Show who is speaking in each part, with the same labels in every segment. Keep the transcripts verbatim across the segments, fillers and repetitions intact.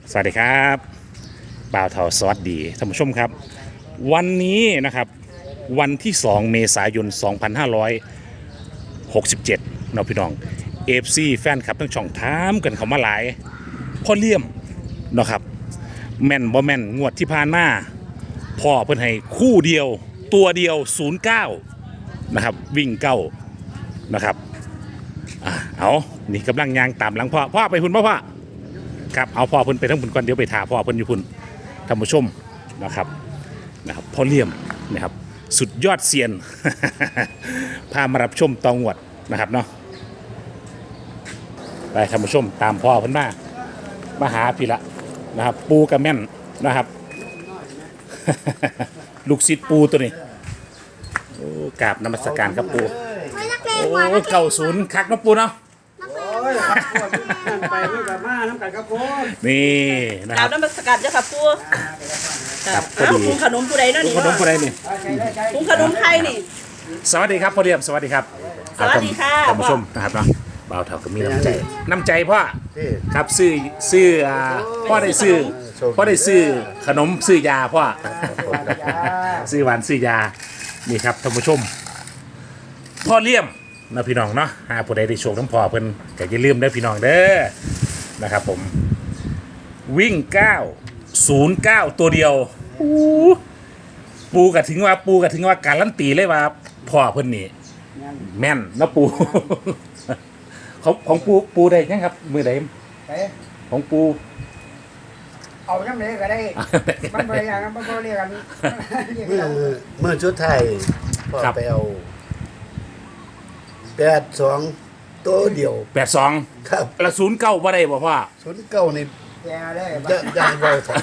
Speaker 1: สวัสดีครับบ่าวเทาสวัสดีท่านผู้ชมครับวันนี้นะครับวันที่สองเมษายนสองพันห้าร้อยหกสิบเจ็ดเนาะพี่น้องเอฟซีแฟนคลับทั้งช่องถามกันเขามาหลายพ่อเลี่ยมเนาะครับแม่นบ่แม่นงวดที่ผ่านมาพ่อเพิ่นให้คู่เดียวตัวเดียวศูนย์เก้านะครับวิ่งเก้านะครับอ่ะเอานี่กำลังยางตามหลังพ่อพ่อไปพุ่นพ่อพ่อครับเอาพ่อเพิ่นไปทั้งพุ่นก่อนเดี๋ยวไปถาพ่อเพิ่นอยู่พุ่นท่านผู้ชมนะครับนะครับพ่อเลี่ยมนะครับสุดยอดเซียน พามารับชมตองวดนะครับเนาะไปท่านผู้ชมตามพ่อเพิ่นมามาหาพี่ละนะครับปูกระแม่นนะครับ ลูกศิษย์ปูตัวนี้โอ้กราบนมัสการครับปูโอ้เก่าศูนย์คักเนาะปูเนาะ
Speaker 2: โอ้ยครับพวกนั่นไปไม่กับมาน้ำกันครับผม
Speaker 1: นี่นะค
Speaker 3: ดา
Speaker 1: รั
Speaker 3: ว
Speaker 1: บ
Speaker 3: น้ำมันสกัดเจ้าค่ะปู
Speaker 1: ครับพอ
Speaker 3: อ้าว
Speaker 1: ดี
Speaker 3: ปรุงขนมผู้ใดเนาะนี่
Speaker 1: ขนมผู้ใดนี่
Speaker 3: ปรุงขนมไทยนี่
Speaker 1: สวัสดีครับพ่อเรียมสวัสดีครับ
Speaker 3: สวัสดีค่ะ
Speaker 1: ท่านผู้ชมนะครับเนาะบ่าวเท่ากับมีน้ำใจน้ำใจพ่อครับซื้อซื้ออ่าพ่อได้ซื้อพ่อได้ซื้อขนมซื้อยาพ่อซื้อหวานซื้อยานี่ครับท่านผู้ชมพ่อเลี่ยมนะพี่น้องเนาะหาผู้ใดได้โชคน้ำพ่อเพิ่นก็อย่าลืมเด้อพี่น้องเด้อนะครับผมวิ่งเก้าศูนย์เก้าตัวเดียวปูกะถึงว่าปูกะถึงว่าการลั่นตีเลยว่าพ่อเพิ่นนี่แม่นนะปู ของของปูปูได้ยังครับมือใดของปู
Speaker 2: เอาน้ำเลยก็ได้มันไปอย่างนั้นมันก็เรียกกัน
Speaker 4: เมื่อเมื่อชุดไทยพอไปเอาแปดสองตัวเดียว
Speaker 1: แปดสอง
Speaker 4: ครับ
Speaker 1: ละศูนย์เก้าว่าได้บ่พ่อ
Speaker 4: ศูนย์เก้านี่
Speaker 2: แย่เลย
Speaker 4: จะยังเบาสัก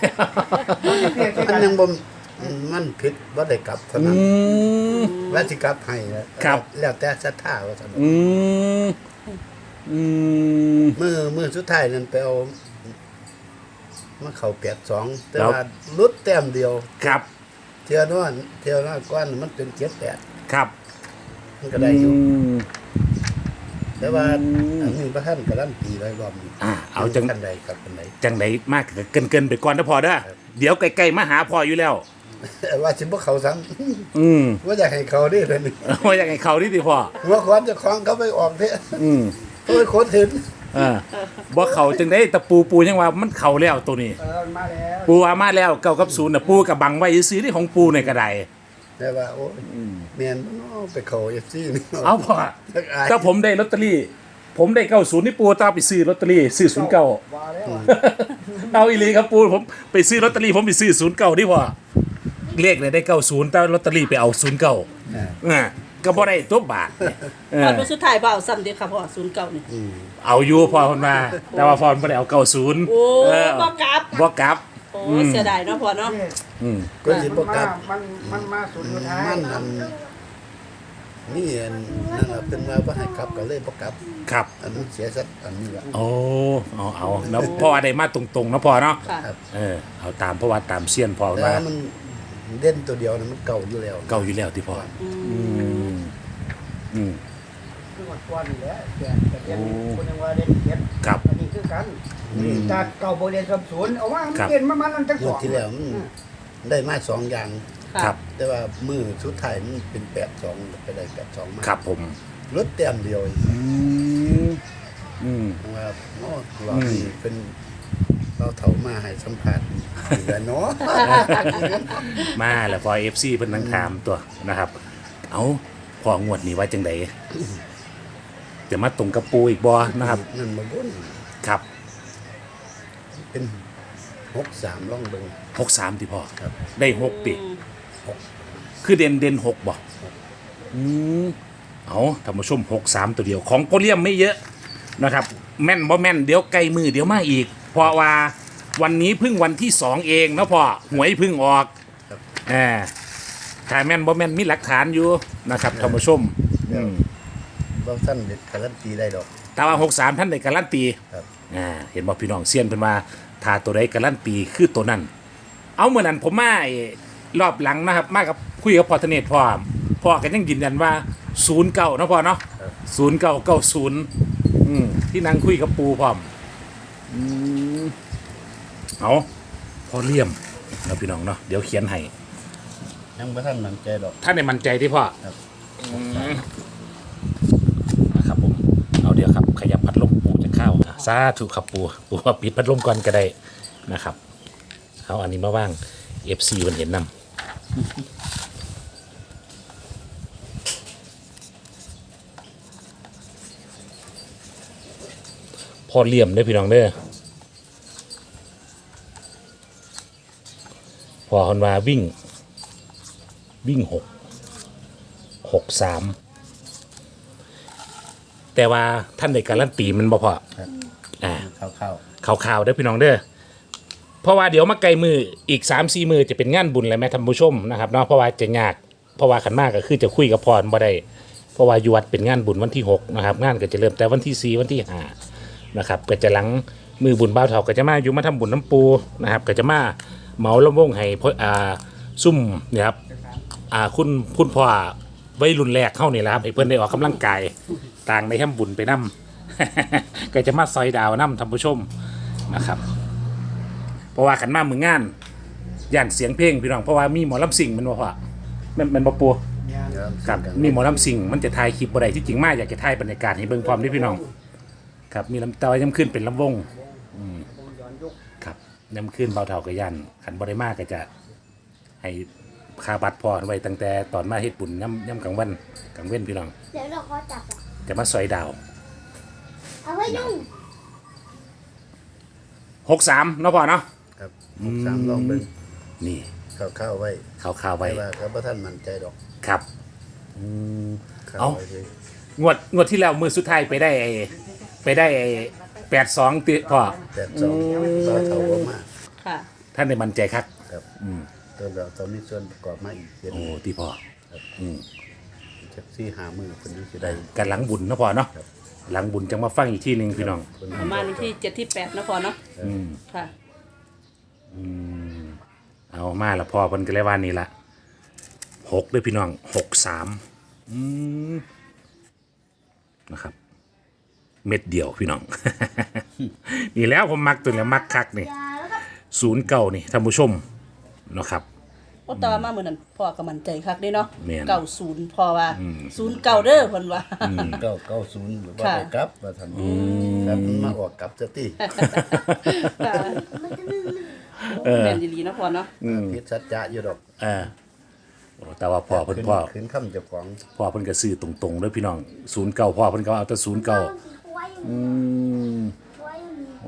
Speaker 4: มันยังบ่มันผิดว่าได้กลับเท่า
Speaker 1: อื
Speaker 4: นั้น
Speaker 1: ม
Speaker 4: ว่าสิกลับให้นะครับ แล้วแต่ศรัทธาว่าซั่น
Speaker 1: อืมอืม
Speaker 4: เมื่อเมื่อสุดท้ายนั้นไปเอามาเข้าแปดสองแต่
Speaker 1: ครับ
Speaker 4: ว่าลุดแต้มเดียว
Speaker 1: ครับ
Speaker 4: เที่ยวนั้นเที่ยวนั้นก้อนมันเป็นเจ็ดแปด
Speaker 1: ครับ
Speaker 4: มันก็ได้อยู่
Speaker 1: ม
Speaker 4: แต่ว่าอันนี้พระท่านกำลังตีไว้รอบนี้
Speaker 1: อ่าเอาจัง
Speaker 4: ท่านใดกับท่านใด
Speaker 1: จังไหนมากเกินเกินๆไปก่อนนะพ่อเด้อเดี๋ยวใกล้ๆมาหาพ่ออยู่แล้ว
Speaker 4: ว่าสิบ่เขาซ้
Speaker 1: อืม
Speaker 4: ำว่าอยากให้เขาได้เลยนี่
Speaker 1: ว่าอย่างไงเขานี่ดิพ่อ
Speaker 4: หัวขวานเจะคล้าของเขาไปออกเถอะ
Speaker 1: อืม
Speaker 4: เขาไปโคตรเห็น
Speaker 1: เออบ่เขาจังได้ตะปูปูยังว่ามันเขาแล้วตัวนี้
Speaker 2: เออมาแล้ว
Speaker 1: ปูว่ามาแล้วเก้ากับศูนย์น่ะปูกับบังไว้ซื้อที่ของปูในกระได
Speaker 4: แต่ว่าโอ้ยเมียนบ่เนาะไปเขาเอฟซีนี่
Speaker 1: เอาพ่อถ้าผมได้ลอตเตอรี่ ผมได้เก้าศูนย์นี่ปูต้องไปซื้อลอตเตอรี่ซื้อศูนย์เก้า
Speaker 2: มาแล้ว
Speaker 1: เอาอีหลีครับปูผมไปซื้อลอตเตอรี่ผมไปซื้อศูนย์เก้าดิพ่อเลขเนี่ยได้เก้าศูนย์แต่ลอตเตอรี่ไปเอาศูนย์เก้าอ่าก็บ่ได้ตัวบาทเอ
Speaker 3: ตอ
Speaker 1: อน
Speaker 3: เป็นสุดท้ายเปล่าซ้ำเดียวค่ะพ่อศูนย์เก้านี่
Speaker 1: เอาอยู่พอคนมา แต่ว่าพอไม่ได้เอาเก้าศูนย์
Speaker 3: โอ้
Speaker 1: เออ
Speaker 3: บ่กลับ
Speaker 1: บ่กลับ
Speaker 3: โอ้เสียดายเนาะพ่อเนาะ
Speaker 1: อืม
Speaker 4: ก็สิบ่กลับ
Speaker 2: มันมันมาสุดสุดท้าย
Speaker 4: มันอันนี่อันนั่นล่ะเป็นว่าบ่ให้กลับก็เลยบ่กลับ
Speaker 1: ครับ
Speaker 4: อันนั้นเสียสักอันนี้ล่ะ
Speaker 1: โอ้เอาเอาแล้วพ่อได้มาตรงๆนะพ่อเนาะ
Speaker 3: ค่ะ
Speaker 4: ครับ
Speaker 1: เออเอาตามเพราะว่าตามเสี้ยนพ่อ
Speaker 4: แต่
Speaker 1: มา
Speaker 4: ว่ามันเด่นตัวเดียวนะมันเก่าอยู่แล้ว
Speaker 1: เก่าอยู่แล้วที่พ่ออืมอืม
Speaker 2: คือวันก่อนนี่แหละแต่แต่ยังคนยังว่าเล่นเก็บ
Speaker 1: ครับ
Speaker 2: อันนี้คือกันจากเก่าโบเรียนสมศูนย์เอาว่ามัน
Speaker 1: ครับ
Speaker 2: เปลี่ยนมามันตั้ง
Speaker 4: ง
Speaker 2: ส
Speaker 4: ว
Speaker 2: อ
Speaker 4: ด
Speaker 2: ง
Speaker 4: ที่แล้วมันได้มาสองอย่าง
Speaker 3: ค่ะ
Speaker 1: ครับ
Speaker 4: แต่ว่ามือสุดท้ายมันเป็นแปดสองไปได้แปดสองมา
Speaker 1: ครับผม
Speaker 4: ลดแต้มเดียว
Speaker 1: อืมอืม
Speaker 4: ว่าโอ้เรานี่เป็นเราเถามาให้สัมผัสอยู่แล้วเนาะ
Speaker 1: มาแล้วพอเอฟซีเพิ่นนั่งถามตัวนะครับ เอาพองวดนี้ว่าจังไดจะมาตรงกับปูอีกบ่นะครับ
Speaker 4: นั่นมาบุญ
Speaker 1: ครับ
Speaker 4: เป็นหกสามล่องเบิง
Speaker 1: หกสามที่พ่อ
Speaker 4: ครับ
Speaker 1: ได้หกติคือเด่นเด่นหกบ่อืมเอาท่านผู้ชมหกสามตัวเดียวของโปเลียมไม่เยอะนะครับ แม่นบ่แม่นเดี๋ยวใกล้มือเดี๋ยวมาอีก เพราะว่าวันนี้เพิ่งวันที่สองเองนะพ่อหวยเพิ่งออกแหมถ้าแม่นบ่แม่นมีหลักฐานอยู่นะครับท่านผู้ชมอืม
Speaker 4: เราสั้นเด็ดการันตีได้ดอก
Speaker 1: แต่ว่าหกสามท่านได้การันตี
Speaker 4: ครับ
Speaker 1: อ่าเห็นบอกพี่น้องเซียนเพิ่นว่าถ้าตัวใดการันตีคือตัวนั้น เอาเมื่อนั้นผมมาไอ้รอบหลังนะครับ มากับคุยกับพอธเนศพ่อพ่อก็ยังยืนยันว่าศูนย์เก้านะพ่อเนาะศูนย์เก้าเก้าศูนย์ที่นั่งคุยกับปูพร้อมอืมเอาพอเลี่ยมเราพี่น้องเนาะเดี๋ยวเขียนให้
Speaker 4: ยังบ่ทันมั่นใจดอก
Speaker 1: ท่านในมันใจที่พ่อ
Speaker 4: ครับ
Speaker 1: อืมนะครับผมเอาเดี๋ยวครับขยับพัดลมปูจะเข้าอ่ะสาธุครับปูปูว่าปิดพัดลมก่อนก็ได้นะครับเอาอันนี้มาว่าง เอฟ ซี มันเห็นนำพอเลี่ยมได้อพี่น้องเด้อพอคนว่าวิ่ง วิ่งหกหกสามแต่ว่าท่านได้การันตีมันบ่พอ
Speaker 4: ครับ
Speaker 1: อ่า
Speaker 4: เข้า
Speaker 1: ข่าวๆเด้อพี่น้องเด้อเพราะว่าเดี๋ยวมาไกลมืออีก สามสี่ มือจะเป็นงานบุญเลยแม่ท่านผู้ชมนะครับเนาะเพราะว่าจะยากเพราะว่าขันมากก็คือจะคุยกับพรบ่ได้เพราะว่าอยู่วัดเป็นงานบุญวันที่หกนะครับงานก็จะเริ่มแต่วันที่สี่วันที่ห้านะครับก็จะหลังมือบุญบ่าวเฒ่าก็จะมาอยู่มาทำบุญน้ำปูนะครับก็จะมาเหมาลำวงให้พ่ออ่าซุ่มเนี่ยครับอ่าคุณคุณพ่อวัยรุ่นแรกเข้านี่แหละครับให้เพื่อนได้ออกกำลังกายต่างในทำบุญไปนำ ก็จะมาซอยดาวน้ำท่านผู้ชมนะครับ เพราะว่าขันมามืองานย่านเสียงเพลงพี่น้องเพราะว่ามีหมอลำสิ่งมันบ่พอมันมันบ่ปัว
Speaker 2: งาน
Speaker 4: ๆ
Speaker 1: ครับมีหมอลำสิ่งมันจะถ่ายคลิปบ่ได้ที่จริงมากอยากจะถ่ายบรรยากาศให้เบิ่งพร้อมด้วยพี่น้องครับมีลำเตาย้ำขึ้นเป็นลำวง
Speaker 2: ย้อนยุค
Speaker 1: ครับย้ำขึ้นเบาเท่ากับยันขันบ่ได้มากก็จะให้คาบัตรพอไว้ตั้งแต่ตอนมาเฮ็ดบุญย่ำย่ำกลางวันกลางเว้นพี่น้อง
Speaker 5: เดี๋ยวเราขอจับอ่ะ
Speaker 1: จะมาซอยดาว
Speaker 5: เอาไว้ยุ่ง
Speaker 1: หกสามเนาะพ่อเนาะ
Speaker 4: ครับหกสามลองเบิ่ง
Speaker 1: นี่
Speaker 4: เข้าๆไว้
Speaker 1: ข่าวๆไว้
Speaker 4: แต่ว่าก็บ่ทันมั่นใจดอก
Speaker 1: ครับอืม
Speaker 4: เข้า
Speaker 1: เอ้า
Speaker 4: ไว้เลย
Speaker 1: งวดงวดที่แล้วมือสุดท้ายไปได้ไอ้ไปได้ไอ้แปดสองติพ่อ
Speaker 4: แต่สองบ่เท่าบ่มา
Speaker 3: ค่ะ
Speaker 1: ท่านได้มั่นใจครับ
Speaker 4: ครับอืมตัวเราต้องมีส่วนประกอบมาอีกเช่น
Speaker 1: โอ้ที่พ่ออืม
Speaker 4: จักสี่ห้ามื้อเพิ่นสิได้
Speaker 1: กันหลังบุญเนาะพ่อเนาะ
Speaker 4: ครับ
Speaker 1: หลังบุญจังมาฟังอีกที่หนึ่งพี่น้อง
Speaker 4: เพิ่น
Speaker 3: ประมาณที่เจ็ดที่แปดนะพอเนาะ
Speaker 1: อืม
Speaker 3: ค่ะ
Speaker 1: อืมเอามาละพ่อเพิ่นก็เลยว่านี่ละหกด้วยพี่น้องหกสามอืมนะครับ เม็ดเดียวพี่น้อง นี่แล้วผมมักตัวนี้มักคักนี่
Speaker 5: ยาแล้วก็
Speaker 1: ศูนย์เก่านี่ท่านผู้ชมเนาะครับ
Speaker 3: โอ้ตามาเหมือนนั้นพ่อก็มั่นใจคักเด้เนาะ
Speaker 1: แม่น
Speaker 3: เก่าศูนย์พ่อว่าศูนย์เก่าเด้อเพิ่นว่า
Speaker 4: เก้าเก้าศูนย์หรือว่า
Speaker 3: ค่ะ
Speaker 4: ได้กลับว่าท่านครับมันมาออกกลับซะติ
Speaker 3: ค่ะ
Speaker 1: เออ
Speaker 3: แม่นดีๆนะพ่อเนาะ
Speaker 4: ผิดสัจจะอยู่ดอก
Speaker 1: เออโอ้แต่ว่าพ่อเพิ่น
Speaker 4: ขึ้น
Speaker 1: พ่อ
Speaker 4: ขึ้นคำเจ้าของ
Speaker 1: พ่อเพิ่นก็ซื้อตรงๆด้วยพี่น้องศูนย์เก่าพ่อเพิ่นก็เอาแต่ศูนย์เก่า
Speaker 5: ไว้อยู่
Speaker 1: อืม
Speaker 5: ไว้อยู่
Speaker 1: โอ้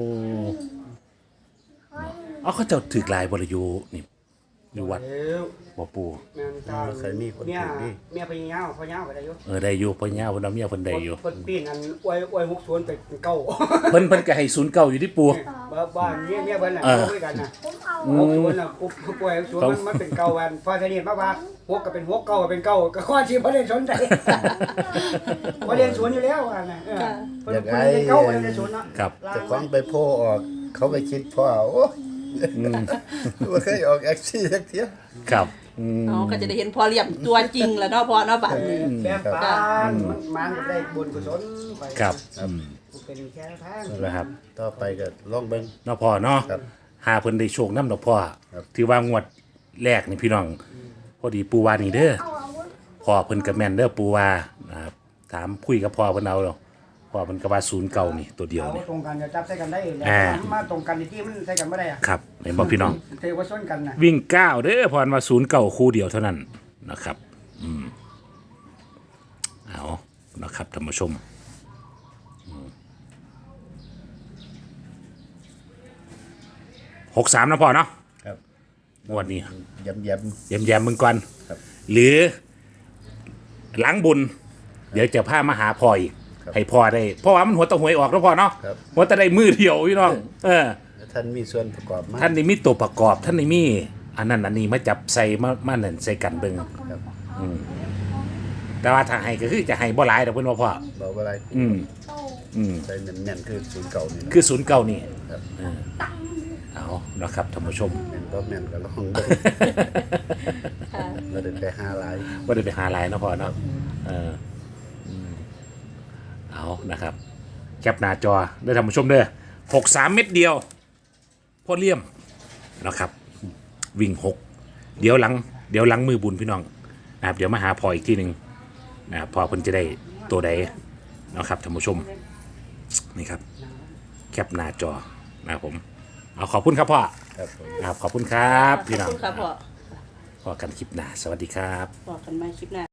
Speaker 5: ไว้อยู่
Speaker 1: เอาเขาเจ้าถือลายบริยูนี่อยู่วัด
Speaker 2: เดี๋ยว
Speaker 1: บ่ปู
Speaker 2: แม่นตา
Speaker 4: เคยมีคน
Speaker 2: เมีย
Speaker 4: ถือดิ
Speaker 2: เมียไปยาวพอยาวก็ได้อยู่
Speaker 1: เออได้อยู่พ่อย่าเพิ่นเอาเมียเพิ่นได้อยู่
Speaker 2: เพิ่นปีนอันอวยอวยหกสวนไปเป็นเก่า
Speaker 1: เพิ่นเพิ่นก็ให้ศูนย์เก่าอยู่ที่ปู
Speaker 2: บ้านบ้านเมียเมียเพิ่นน่ะ
Speaker 1: เออ
Speaker 2: เอาด้วยกันน่ะ
Speaker 5: ผมเอา
Speaker 2: หกสวนน่ะปุ๊บป่วยสวนมันมันเป็นเก่าอันพอทีนี้มาว่าหกก็เป็นหกเก่าก็เป็นเก่าก็ข้อที่บ่ได้สนใจบ่เรียนสวนอยู่แล้วอันน่ะเออเพิ่นเพิ่นเรียนเก่าบ่ได้เรียนสวนเนาะ
Speaker 1: ครับ
Speaker 4: เจ้าของไปโพออก เขาไปคิดพ่อโอ้ยบ่เคยออกแอคซี่สักเที่ย
Speaker 1: ครับอืม
Speaker 3: เอาก็จะได้เห็นพ่อเลี่ยมตัวจริงแล้วเนาะพ่อเนาะบัดนี้
Speaker 2: แบ่งปันมันมันก็ได้บุญกุศลไป
Speaker 1: ครับอืม
Speaker 2: เป็นแค่ทาง
Speaker 1: นั่นแหละครับ
Speaker 4: ต่อไปก็ลองเบิ่ง
Speaker 1: เนาะพ่อเนาะ
Speaker 4: ครับ
Speaker 1: หาเพิ่นได้โชคนำดอกพ่อ
Speaker 4: ครับ
Speaker 1: ถือว่างวดแรกนี่พี่น้อง พอดีปูว่านี่เด้อ
Speaker 5: เอาอาวุธ
Speaker 1: พ่อเพิ่นก็แม่นเด้อปูว่านะครับถามคุยกับพ่อเพิ่นเอาเนาะพ่อเพิ่นก็ว่าศูนย์เก่านี่ตัวเดียว
Speaker 2: เอา
Speaker 1: นี่
Speaker 2: ตรงกันจะจับใส่กันได้แล้ว
Speaker 1: อ่า
Speaker 2: มาตรงกันที่มันใส่กันไม่ได้อะ
Speaker 1: ครับเห็นบ่พี่น้อง
Speaker 2: เทว่าชนกันนะ
Speaker 1: วิ่งเก้าเด้อพรว่าศูนย์เก่าคู่เดียวเท่านั้นนะครับ อืมเอานะครับท่านผู้ชมหกสามนะพ่อเนาะ
Speaker 4: ครับ
Speaker 1: งวดนี้
Speaker 4: ย้ำ
Speaker 1: เยี่ยมแยมๆมึงก่อน
Speaker 4: ครับ
Speaker 1: หรือหลังบุญ เดี๋ยวจะพามาหาพ่ออีก
Speaker 4: ครับ
Speaker 1: ให้พ่อได้เพราะว่ามันหัวตะหวยออกแล้วพ่อเนาะ
Speaker 4: ครับ
Speaker 1: หัวตะได้มือเดียวพี่น้อง เออ
Speaker 4: ๆแล้วท่านมีส่วนประกอบมาก
Speaker 1: ท่านนี่มีตัวประกอบท่านนี่มีอันนั้นอันนี้มาจับใส่มามานั่นใส่กันเบิ่ง
Speaker 4: ครับ
Speaker 1: แต่ว่าถ้าให้ก็คือจะให้บ่หลายดอกเพิ่นว่าพ่อ
Speaker 4: บอกว่าอะไร
Speaker 1: อืม
Speaker 5: โต
Speaker 1: อืม
Speaker 4: ใส่แน่นๆคือศูนย์เก่านี่นะ
Speaker 1: คือศูนย์เก่านี่
Speaker 4: ครับ
Speaker 1: เออเอานะครับท่านผู้ชม
Speaker 4: แม่นบ่แม่นก็ลองเบิ่ง
Speaker 3: ค่ะ
Speaker 4: บ่ได้ไปหาหลาย
Speaker 1: บ่ได้ไปหาหลายเนาะพ่อเนาะเอออืมเอานะครับแคปหน้าจอได้ท่านผู้ชมเด้อหกสามเม็ดเดียว พอพ่อเลี่ยมนะครับ วิ่งหกเดี๋ยวหลังเดี๋ยวหลังมือบุญพี่น้องนะครับเดี๋ยวมาหาพออีกทีหนึ่งนะครับพอเพิ่นจะได้ตัวใดนะครับท่านผู้ชมนี่ครับแคปหน้าจอนะครับผมเอาขอบคุณครับพ่อ
Speaker 4: ครับผม
Speaker 1: นะครับขอบคุณครับพี่น้
Speaker 3: ข
Speaker 1: อ
Speaker 3: อง บคุณครับพ่อ
Speaker 1: พอกันคลิปหน้าสวัสดีครับ
Speaker 3: บอกกันใหม่คลิปหน้า